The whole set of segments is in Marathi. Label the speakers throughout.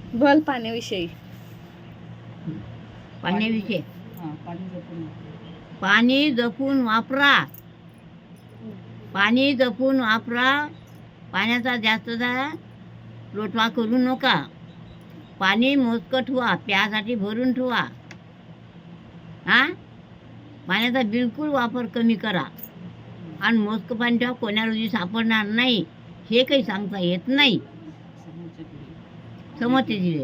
Speaker 1: बोल पाण्याविषयी.
Speaker 2: पाण्याविषयी
Speaker 3: पाणी जपून
Speaker 2: पाणी जपून वापरा. पाणी जपून वापरा. पाण्याचा जास्तचा लोटवा करू नका. पाणी मोजकं ठेवा, प्यासाठी भरून ठेवा. पाण्याचा बिलकुल वापर कमी करा. आणि मोजकं पाणी ठेवा, कोण्या रोजी सापडणार नाही हे काही सांगता येत नाही. समजते जिरे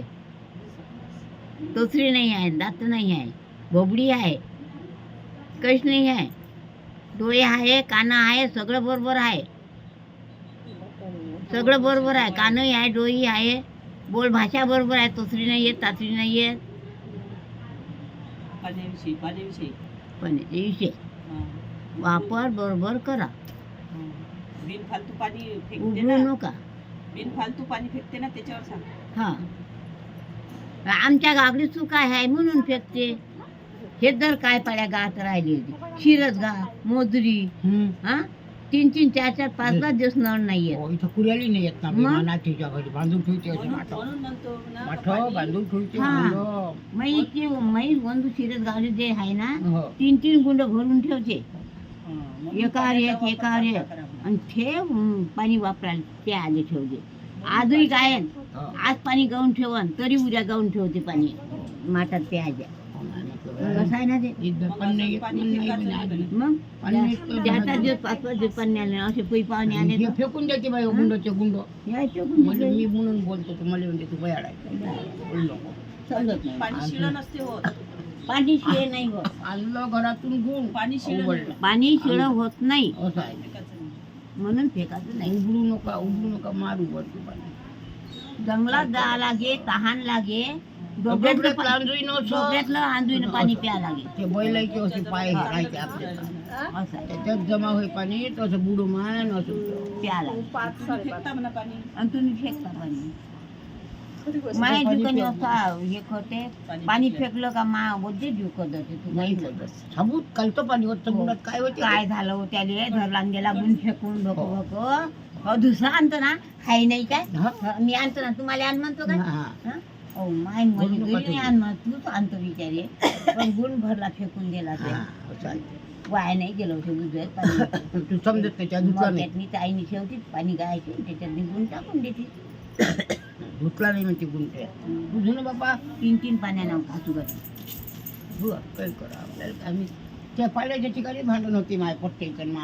Speaker 2: तोसरी नाही आहे, दात नाही आहे, बोबडी आहे, कश नाही आहे, डोळे आहे, कानं आहे, सगळं बरोबर आहे. सगळं बरोबर आहे, कानही आहे, डोळी आहे, बोल भाषा बरोबर आहे, तोसरी नाही येत, तासरी नाही येत.
Speaker 3: पाण्याविषयी
Speaker 2: विषय वापर बरोबर करा.
Speaker 3: बिनफालतू पाणी फेकते
Speaker 2: उघडू
Speaker 3: ना,
Speaker 2: नका.
Speaker 3: बिनफालतू पाणी फेकते ना, त्याच्यावर सांग.
Speaker 2: हा, आमच्या गागडी चूक आहे म्हणून फेकते. हे जर काय पाड्या गात राहिली होती, शिरत गा, मोजरी, 3-3, 4-4, 5-5 दिवस नळ नाहीये.
Speaker 4: इथं कुऱ्याली नाही येत ना,
Speaker 2: मग?
Speaker 4: नातीच्या घरी बांधून ठेवते असे
Speaker 3: म्हणून म्हणतो ना,
Speaker 4: माठ
Speaker 3: पाणी-
Speaker 4: बांधून ठेवते.
Speaker 2: हा. मै बंधू शिरत गावले जे आहे ना,
Speaker 4: हो.
Speaker 2: 3-3 गुंड भरून ठेवते.
Speaker 3: म्हणून
Speaker 2: एकावर एक,
Speaker 3: पाण्याचा
Speaker 2: एकावर
Speaker 3: वापर
Speaker 2: एक.
Speaker 3: नका करा.
Speaker 2: आणि ते पाणी वापरायला ते आले ठेवते. आजही काय आहे,
Speaker 4: हो.
Speaker 2: आज पाणी गाऊन ठेवन तरी उद्या गाऊन ठेवते पाणी माठात प्यायच्या. कसं आहे ना ते.
Speaker 4: इथं पण नाही येत, पण नाही पण आधी.
Speaker 2: मग
Speaker 4: पाणी इतकं
Speaker 2: त्याचा दिवस 5-5 दिवस पाणी आले असे पै पाहुणे आले
Speaker 4: हे फेकून देते बाई गुंडचे गुंड.
Speaker 2: यायचे
Speaker 4: म्हणजे मी म्हणून बोलतो तू मला म्हणते तू बयाड आहे. बोललो.
Speaker 2: समजत नाही.
Speaker 3: पाणी शिळं नसते होत.
Speaker 2: पाणी शिळे नाही होत.
Speaker 4: आणलं घरातून गुण
Speaker 3: पाणी शिळं
Speaker 4: उघडलं.
Speaker 3: नाही.
Speaker 2: पाणी शिळं होत नाही
Speaker 4: असं आहे.
Speaker 3: फेकायचं नाही.
Speaker 2: म्हणून फेकायचं नाही.
Speaker 4: उघडू नका मारू उघडतो पाणी.
Speaker 2: जंगलात जा लागे, तहान लागे, डोक्यातलं आंधळीनं पाणी प्या लागे.
Speaker 4: ते बैलाचे असे पाय राहायचे आपले
Speaker 2: असं आहे.
Speaker 4: त्याच्यात जमा होई पाणी तसं बुडू मान असं
Speaker 2: प्या लागे.
Speaker 3: तुम्ही फेकता म्हणा पाणी.
Speaker 2: आणि तुम्ही फेकता पाणी. माझ्या ठिकाणी असं हे करते, पाणी फेकलं का मा बोलते जुकत जाते. तू
Speaker 4: नाही
Speaker 2: नाही
Speaker 4: होत. साबूत कालतं पाणी होत समुद्रात काय होते
Speaker 2: काय झालं हो त्याले धरला गेला गुण फेकून भको भको. दुसरा आणतो ना, हाय नाही काय, मी आणतो ना, तुम्हाला आण म्हणतो काय.
Speaker 4: हा.
Speaker 2: ओ माय म्हणजे
Speaker 4: बोलू नका
Speaker 2: घरी
Speaker 4: तुम्ही.
Speaker 2: आण म्हणत, तूच आणतो विचारे. पण गुण भरला फेकून दिला ते.
Speaker 4: हा, असं आहे.
Speaker 2: वाया नाही गेलं होतं गुजरात पाणी.
Speaker 4: तू समजत त्याच्या धुतला नाही.
Speaker 2: त्यातनी ताईने ठेवती पाणी गायची, त्याच्यात गुण टाकून देते.
Speaker 4: धुतला नाही म्हणते गुण ते. बुझू ना बाबा.
Speaker 2: 3-3 पाण्यानं घासू घालू.
Speaker 4: काय करा आपल्याला आम्ही त्या पाण्याच्या ठिकाणी भांडण होती माय पट्ट्याचं